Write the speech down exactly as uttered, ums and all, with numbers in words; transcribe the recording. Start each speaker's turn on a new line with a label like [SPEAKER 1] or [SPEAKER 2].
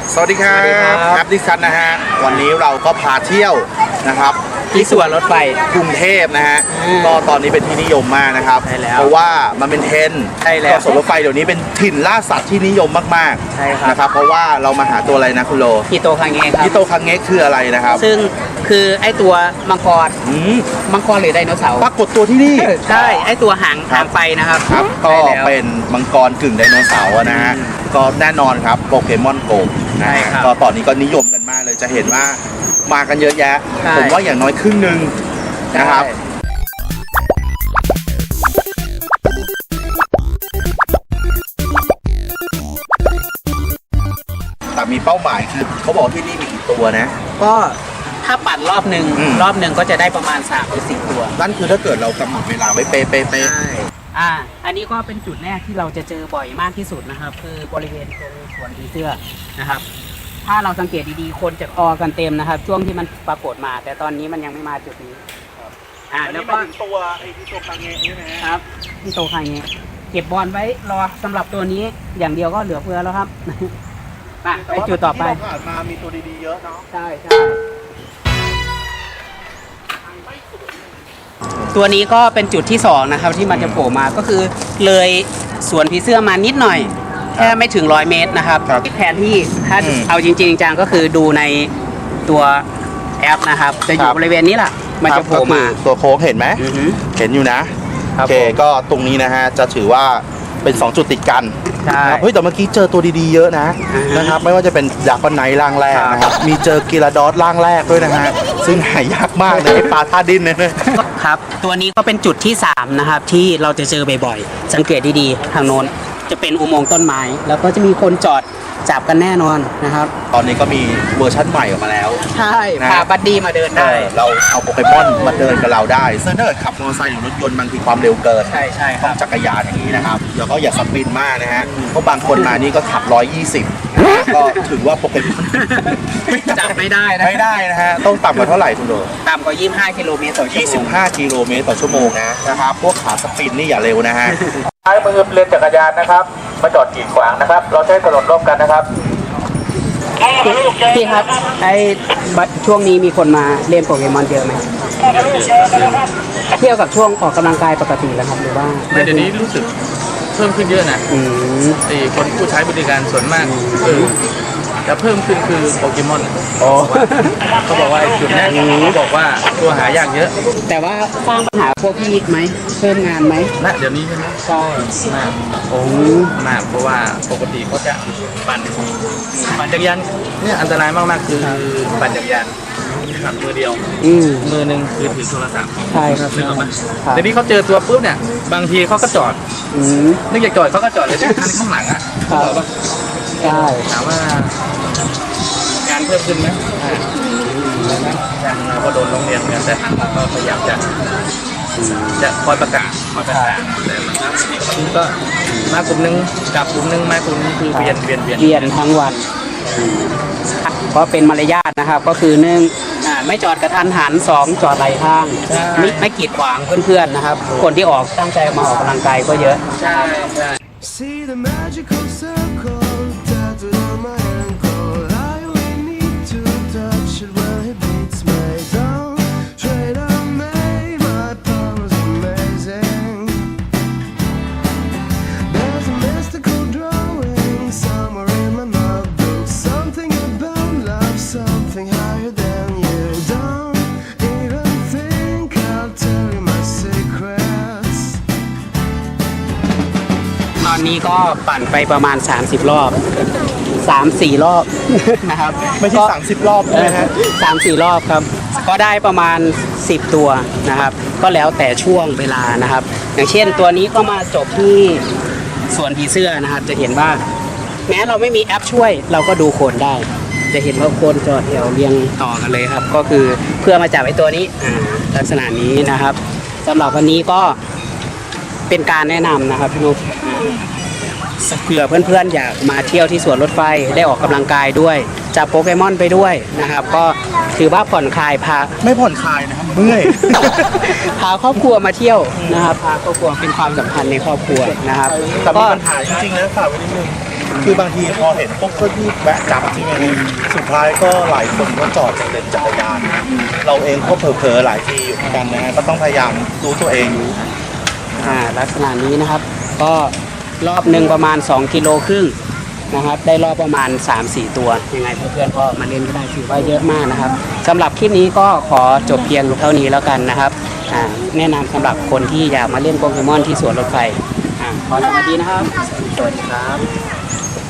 [SPEAKER 1] สวัสดีครับแอปดิสันนะฮะวันนี้เราก็พาเที่ยวนะครับ
[SPEAKER 2] ที่สวนรถไฟ
[SPEAKER 1] กรุงเทพนะฮะก็ตอนนี้เป็นที่นิยมมากนะครับเพราะว่ามันเป็นเทรนด์ก็สวนรถไฟเดี๋ยวนี้เป็นถิ่นล่าสัตว์ที่นิยมมากๆนะครับเพราะว่าเรามาหาตัวอะไรนะคุณโล
[SPEAKER 2] ฮิโตคังเงะครับ
[SPEAKER 1] ฮิโตคังเงะคืออะไรนะครับ
[SPEAKER 2] ซึ่งคือไอตัวมังกรมังกรหรือไดโนเสาร์
[SPEAKER 1] ปรากฏตัวที่นี่
[SPEAKER 2] ใช่ไอตัวหางหางไปนะครับ
[SPEAKER 1] ครับก็เป็นมังกรกึ่งไดโนเสาร์นะฮะก็แน่นอนครับโปเกมอนโกนะฮะก็ตอนนี้ก็นิยมกันมากเลยจะเห็นว่ามากันเยอะแยะผมว่าอย่างน้อยครึ่งหนึ่งนะครับแต่มีเป้าหมายคือเขาบอกที่นี่มีกี่ตัวนะ
[SPEAKER 2] ก็ถ้าปั่นรอบหนึ่งรอบหนึ่งก็จะได้ประมาณสามถึงสี่ตัว
[SPEAKER 1] นั่นคือถ้าเกิดเรากำหนดเวลาไว้เป๊ะ
[SPEAKER 2] ๆอ่าอันนี้ก็เป็นจุดแรกที่เราจะเจอบ่อยมากที่สุดนะครับคือบริเวณตรงสวนผีเสื้อนะครับถ้าเราสังเกตดีๆคนจะออกันเต็มนะครับช่วงที่มันปรากฏมาแต่ตอนนี้มันยังไม่มาจุดนี้อ่าแล้วก็
[SPEAKER 1] ตัวไอ้ที่โตคังเงะนี่
[SPEAKER 2] นะครับที่โตคังเงะเก็บบอลไว้รอสำหรับตัวนี้อย่างเดียวก็เหลือเฟือแล้วครับไปจุดต่อไป
[SPEAKER 1] ผ่านมามีตัวดีๆเยอะเนาะ
[SPEAKER 2] ใช่ใช่ตัวนี้ก็เป็นจุดที่สองนะครับที่มันจะโผล่มาก็คือเลยสวนผีเสื้อมานิดหน่อยแค่ไม่ถึงร้อยเมตรนะครับแผนที่ถ้าเอาจริงๆจังก็คือดูในตัวแอปนะครับจะอยู่บริเวณนี้แหละมันจะโผล่มา
[SPEAKER 1] ตัวโค้งเห็นไหมเห็นอยู่นะโอเคก็ตรงนี้นะฮะจะถือว่าเป็นสองจุดติดกันเฮ้ยแต่เมื่อกี้เจอตัวดีๆเยอะนะนะครับไม่ว่าจะเป็นดาร์กไนท์ร่างแรกนะครับมีเจอกีราดอสร่างแรกด้วยนะฮะซึ่งหายากมากเลยปลาท่าดินเนี่ย
[SPEAKER 2] ครับตัวนี้ก็เป็นจุดที่สามนะครับที่เราจะเจอบ่อยๆสังเกตดีๆทางโน้นจะเป็นอุโมงค์ต้นไม้แล้วก็จะมีคนจอดจับกันแน่นอนนะครับ
[SPEAKER 1] ตอนนี้ก็มีเวอร์ชั่นใหม่ออกมาแล้ว
[SPEAKER 2] ใช่พาบัดดี้มาเดินได้
[SPEAKER 1] เราเอาโปเกมอนมาเดินกับเราได้ซึ่งถ้าเกิดขับมอเตอร์ไซค์หรือรถยนต์บางทีความเร็วเกิน
[SPEAKER 2] ใช่ใช่
[SPEAKER 1] ต้องจักรยานอย่างนี้นะครับแล้วก็อย่าสปินมากนะฮะเพราะบางคนมานี่ก็ขับร้อยยี่สิบก็ถือว่าโปเกมอน
[SPEAKER 2] จับไม่ได้นะ
[SPEAKER 1] ไม่ได้นะฮะต้องต่ำกว่าเท่าไหร่คุณโด
[SPEAKER 2] ต่ำกว่ายี่สิบห้ากิโลเมตรต่อชั่วโมง
[SPEAKER 1] ยี่สิบห้ากิโลเมตรต่อชั่วโมงนะนะครับพวกขาสปินนี่อย่าเร็วนะฮะใช้มือเล่นจักรยานนะครับมาจอดกีดขวางนะครับเราใช้ถนนร่วมกันนะครับ
[SPEAKER 2] พี่ครับไอ้ช่วงนี้มีคนมาเล่นโปเกมอนเยอะไหมเที่ยวกับช่วงออกกำลังกายปกติแล้วครับหรือว่า
[SPEAKER 3] เดี๋ยวนี้รู้สึกเพิ่มขึ้นเยอะนะไอ้คนผู้ใช้บริการส่วนมากเออจะเพิ่มขึ้นคือโปเกมอนเขาบอกว่าจุดนี้เขาบอกว่าตัวหายากเยอะ
[SPEAKER 2] แต่ว่าสร้างปัญหาพวกพี่ไหมเพิ่มงานไหม
[SPEAKER 3] ณเดี๋ยวนี้ใช่ไหม
[SPEAKER 2] ใช่
[SPEAKER 3] มากโอ้มากเพราะว่าปกติเขาจะปั่นปั่นจักรยานเนี่ยอันตรายมากๆคือปั่นจักรยานขับมือเดียวมือหนึ่งคือถือโทรศัพท์
[SPEAKER 2] ใช่ครับ
[SPEAKER 3] นึกออกไหมเดี๋ยวนี้เขาเจอตัวปุ๊บเนี่ยบางทีเขาก็จอดนึกอยากจอดเขาก็จอดเลยที่ข้างหลังอ่ะ
[SPEAKER 2] ใช่
[SPEAKER 3] ถามว่างานเพิ่มขึ้นไหมเราก็โดนโรงเรียนกันแต่ทางเราก็พยายามจะจะคอยประกาศคอยประกาศแต่บางครั้งก็มากลุ่มนึงกับกลุ่มนึงมากลุ่มนึงคือเปลี่ยนเปลี่ยนเปลี่ยน
[SPEAKER 2] เปลี่ยนทั้งวันเพราะเป็นมารยาทนะครับก็คือหนึ่งไม่จอดกระทันหันสองจอดไหลทางไม่ไม่กีดขวางเพื่อนๆนะครับคนที่ออกตั้งใจมาออกกำลังกายก็เยอะ
[SPEAKER 3] ใช่ใช่
[SPEAKER 2] ตอนนี้ก็ปั่นไปประมาณสามสิบรอบสามสี่รอบนะครับ
[SPEAKER 1] ไม่ใช่สามสิบรอบนะฮะ
[SPEAKER 2] สามสี่รอบครับก็ได้ประมาณสิบตัวนะครับก็แล้วแต่ช่วงเวลานะครับอย่างเช่นตัวนี้ก็มาจบที่สวนผีเสื้อนะครับจะเห็นว่าแม้เราไม่มีแอปช่วยเราก็ดูคนได้จะเห็นว่าคนจอดแถวเรียงต่อกันเลยครับก็คือเพื่อมาจับไอ้ตัวนี้ลักษณะนี้นะครับสำหรับวันนี้ก็เป็นการแนะนำนะครับพี่นุ๊กเผื่อเพื่อนๆอยากมาเที่ยวที่สวนรถไฟได้ออกกำลังกายด้วยจับโปเกมอนไปด้วยนะครับก็ถือว่าผ่อนคลายพา
[SPEAKER 1] ไม่ผ่อนคลายนะครับเมื่อย
[SPEAKER 2] พาครอบครัวมาเที่ยวนะครับพาครอบครัวเป็นความสัมพันธ์ในครอบครัวนะครับ
[SPEAKER 1] แต่มีปัญหาจริงๆแล้วฝากไว้นิดนึงคือบางทีพอเห็นปุ๊บก็รีบแวะจับใช่ไหมสุดท้ายก็หลายคนก็จอดจากเลนจักรยาน เราเองก็เผลอๆหลายทีอยู่เหมือนกันนะฮะก็ต้องพยายามรู้ตัวเอง
[SPEAKER 2] อ่าลักษณะนี้นะครับ ก็รอบหนึ่งประมาณสองกิโลครึ่งนะครับ ได้รอบประมาณ สามสี่ ตัวยังไงเพื่อนๆก็มาเล่นก็ได้ถือว่าเยอะมากนะครับสำหรับคลิปนี้ก็ขอจบเพียงเท่านี้แล้วกันนะครับอ่าแนะนำสำหรับคนที่อยากมาเล่นโปเกมอนที่สวนรถไฟอ่าขอสวัสดีนะครับสวัสดีครับ